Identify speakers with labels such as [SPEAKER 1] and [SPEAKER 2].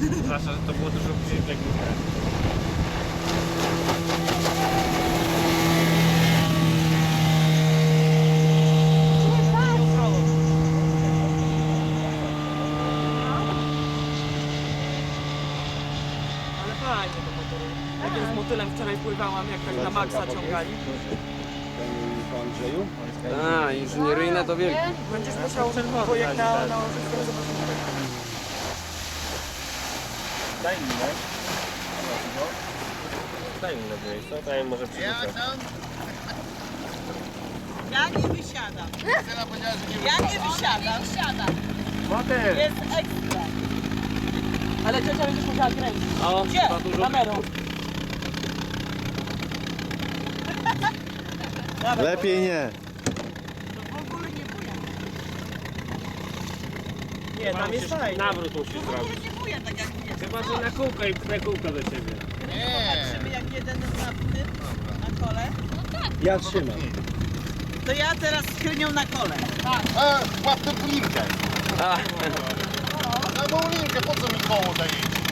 [SPEAKER 1] Zwłaszcza, że to było dużo później w Legnicy.
[SPEAKER 2] Ale fajnie to motory. Jak ja z motylem wczoraj pływałam, jak tak na maksa ciągali.
[SPEAKER 3] Po Andrzeju?
[SPEAKER 4] A, inżynieryjne to wielkie.
[SPEAKER 2] Będziesz musiał projekt na
[SPEAKER 1] Daj inne. Daj inne miejsce, to ja może przerzucę.
[SPEAKER 5] Ja nie wysiadam. Ja nie wysiadam.
[SPEAKER 1] Motyl!
[SPEAKER 5] Jest ekstra.
[SPEAKER 2] Ale ciocia będziesz musiała kręcić.
[SPEAKER 1] O,
[SPEAKER 2] Gdzie?
[SPEAKER 1] za dużo.
[SPEAKER 2] Kamerą.
[SPEAKER 6] Lepiej nie.
[SPEAKER 5] W ogóle nie buja.
[SPEAKER 2] Nie, tam jest fajnie.
[SPEAKER 1] Nawrót musisz
[SPEAKER 5] W ogóle
[SPEAKER 1] zrobić.
[SPEAKER 5] nie buja tak jak mnie.
[SPEAKER 1] Chyba, że na kółko i pchnę kółko do ciebie.
[SPEAKER 5] Popatrzymy jak jeden na tym, na kole.
[SPEAKER 3] Ja trzymam.
[SPEAKER 5] To ja teraz z Krynią na kole.
[SPEAKER 7] Łap tę linkę.
[SPEAKER 4] A,
[SPEAKER 7] Na tą linkę, po co mi koło dajecie?